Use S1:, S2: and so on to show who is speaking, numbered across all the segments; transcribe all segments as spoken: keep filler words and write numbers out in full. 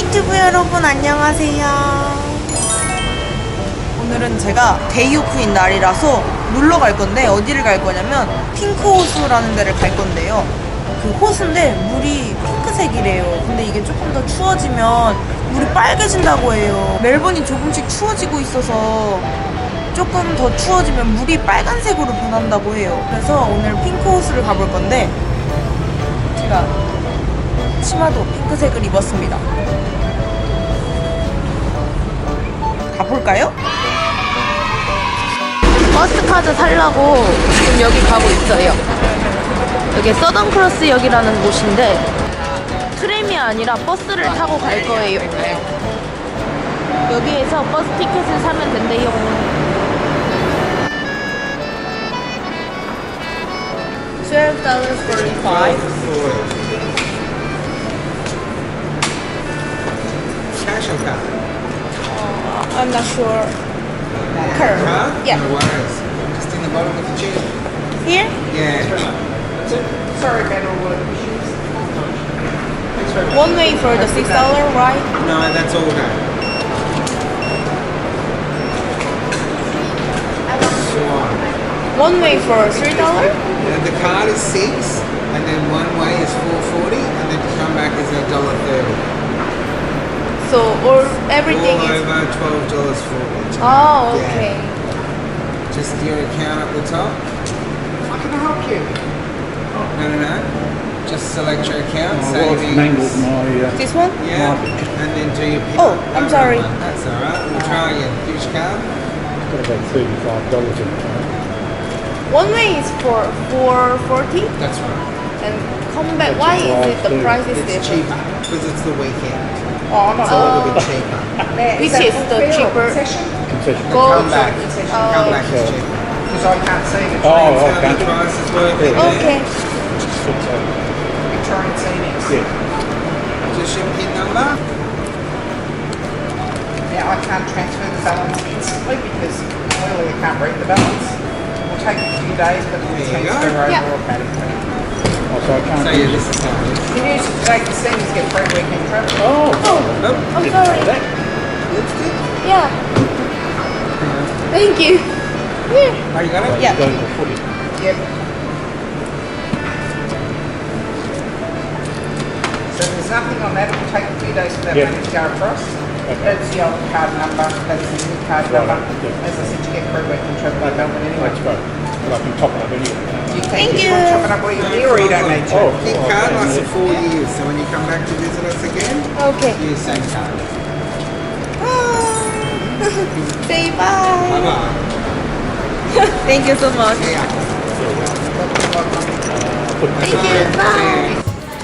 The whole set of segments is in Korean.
S1: 유튜브 여러분 안녕하세요. 오늘은 제가 데이 오프인 날이라서 놀러 갈 건데 어디를 갈 거냐면 핑크 호수라는 데를 갈 건데요. 그 호수인데 물이 핑크색이래요. 근데 이게 조금 더 추워지면 물이 빨개진다고 해요. 멜번이 조금씩 추워지고 있어서 조금 더 추워지면 물이 빨간색으로 변한다고 해요. 그래서 오늘 핑크 호수를 가볼 건데 제가 치마도 핑크색을 입었습니다. 가볼까요?
S2: 버스카드 살라고 지금 여기 가고 있어요. 여기 서던크로스역이라는 곳인데 트램이 아니라 버스를 타고 갈 거예요. 여기에서 버스 티켓을 사면 된대요.
S1: twelve dollars forty-five.
S3: Cash or card?
S1: Uh, I'm not sure. Card.
S3: Card?
S1: Yeah.
S3: No worries. Just in the bottom of the chair.
S1: Here?
S3: Yeah. That's it. Sorry about all the issues. Thanks very much.
S1: One way for the six dollar, right?
S3: No, that's all done. Swan.
S1: One way for three dollar?
S3: Uh, the card is six, and then one way is four forty, and then to come back is a dollar thirty.
S1: So or everything
S3: All
S1: is.
S3: over twelve dollars forty.
S1: Oh, okay.
S3: Just your account up the top. I can help you. No, no, no. Just select your account, savings.
S4: mangled my uh,
S1: This one?
S3: Yeah, and then do your pick.
S1: Oh, I'm sorry.
S3: That's alright. We'll try again. Which card?
S4: got about thirty-five dollars in it.
S1: One way is for four forty,
S3: That's right.
S1: and come back. Why is it the price is
S3: It's
S1: different?
S3: cheaper because it's the weekend.
S1: Oh,
S3: It's a little bit cheaper.
S1: Which is the cheaper?
S4: Concession.
S3: The
S1: Go
S3: come back.
S1: to-
S3: Come back is
S4: Oh.
S3: cheaper.
S5: Because I can't see the
S4: Oh,
S3: That's
S4: oh,
S3: how
S4: can't
S3: the
S4: you?
S3: price is working
S4: Yeah.
S3: there.
S1: Okay.
S5: Victorian Scenics.
S4: Yeah.
S3: Just your PIN number.
S5: Now I can't transfer the balance instantly because clearly I can't read the balance. It will take a few days, but it will
S3: There you
S5: transfer
S3: go.
S5: over
S1: Yeah.
S5: automatically.
S4: Oh, so I can't
S3: So
S4: use
S3: yeah,
S4: it.
S3: this is how it is.
S5: You can use it today to see us get free weekend travel.
S4: Oh,
S3: Nope.
S1: I'm
S4: didn't know
S1: sorry.
S4: that.
S3: That's good.
S1: Yeah. Thank you. Yeah.
S3: Oh, you got it?
S1: Yeah.
S4: Go to the footy.
S5: Yep. So there's nothing on that. It will take a few days for that
S4: Yep.
S5: money to go across.
S4: Okay.
S5: That's the old card number. That's the new card
S4: Right,
S5: number.
S4: yeah.
S5: As I said, you get free weekend travel by Melbourne anyway.
S4: That's great. But I can top it up anyway.
S5: You can
S1: Thank
S5: if
S1: you.
S5: you want to chop it up where you're here or you don't need to.
S4: Oh,
S3: Keep
S4: oh,
S3: card
S4: okay.
S3: lasts for four years, so when you come back to visit us again,
S1: Okay.
S3: use same card.
S1: Say bye.
S3: Bye bye.
S1: Thank you so much.
S3: See ya.
S1: Thank you. Bye.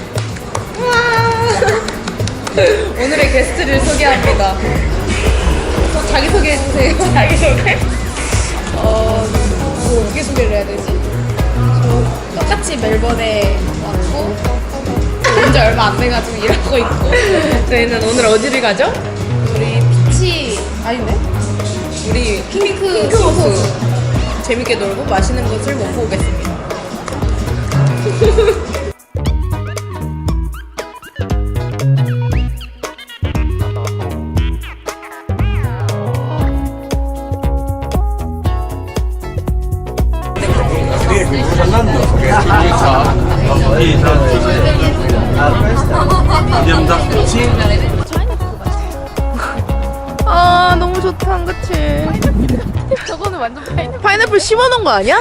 S1: 오늘의 게스트를 소개합니다. 저 자기 소개해 주세요. 자기 소개? 어, 뭐 어떻게 소개를 해야 되지? 저 똑같이 멜번에 왔고 온 지 얼마 안 돼가지고 일하고 있고 저희는 오늘 어디를 가죠? 우리 피치 아닌데? 우리 핑크, 핑크 호수 재밌게 놀고 맛있는 것을 먹고 오겠습니다.
S2: 아 너무 좋다, 그치? 저거는 완전 파인애플. 파인애플 심어놓은 거 아니야?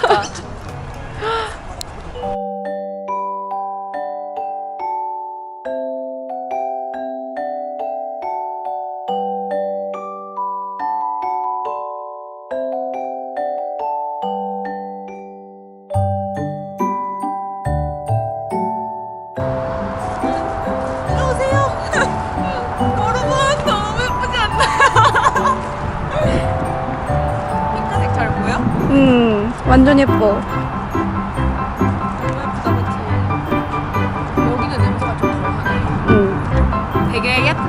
S2: 음, 완전 예뻐.
S1: 너무 예쁘다, 그치? 여기는 냄새가 좀 덜하네.
S2: 음.
S1: 되게 예쁜